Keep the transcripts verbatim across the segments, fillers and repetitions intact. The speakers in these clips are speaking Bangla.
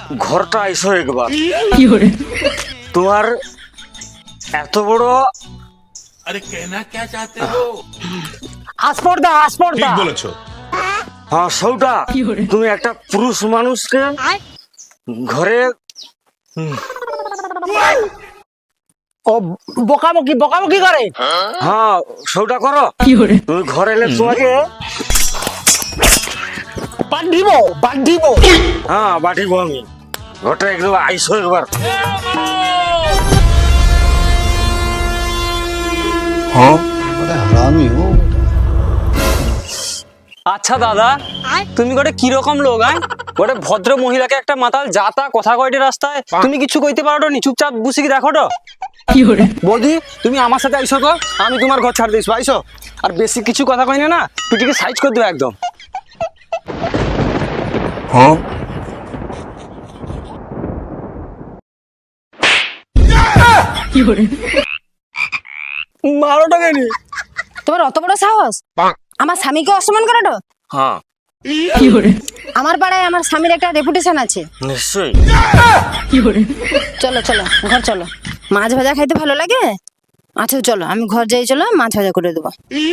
ঘরটা আইসো একবার। তোমার এত বড় अरे कहना क्या चाहते हो? আসপর্দা আসপর্দা ঠিক বলেছো। হ্যাঁ সৌটা, তুমি একটা পুরুষ মানুষকে ঘরে ও বকাবকি বকাবকি করে। হ্যাঁ সৌটা করো। তুমি ঘরে এলে তোমাকে বাদ দিব বাদ দিব। হ্যাঁ বাটিব আমি। ঘরটা একদম আইসো একবার। আচ্ছা দাদা, তুমি গোটে কিরকম লোক? আয় গোটে ভদ্র মহিলাকে একটা মাতাল যাতা কথা কয়টি রাস্তায় তুমি কিছু কইতে পারো নি, চুপচাপ বুঝি কি দেখো তো। বৌদি তুমি আমার সাথে আইসো তো, আমি তোমার ঘর ছাড় দিস আইসো। আর বেশি কিছু কথা কই না, না পিটিকে সাইজ করে দেবো একদম। মারোটা কেন? তোমার অত বড় সাহস আমার স্বামীকে অসম্মান করাটো? হ্যাঁ আমার পাড়ায় আমার স্বামীর একটা রেপুটেশন আছে। নিশ্চয়ই। চলো চলো ঘর চলো, মাছ ভাজা খাইতে ভালো লাগে। আচ্ছা চলো আমি ঘর যাই, চলো মাছ ভাজা করে দেবো।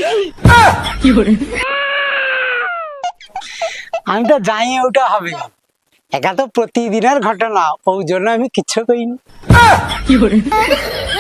আমি তো জানি ওটা হবে, একা তো প্রতিদিনের ঘটনা, ওই জন্য আমি কিচ্ছু কইনি।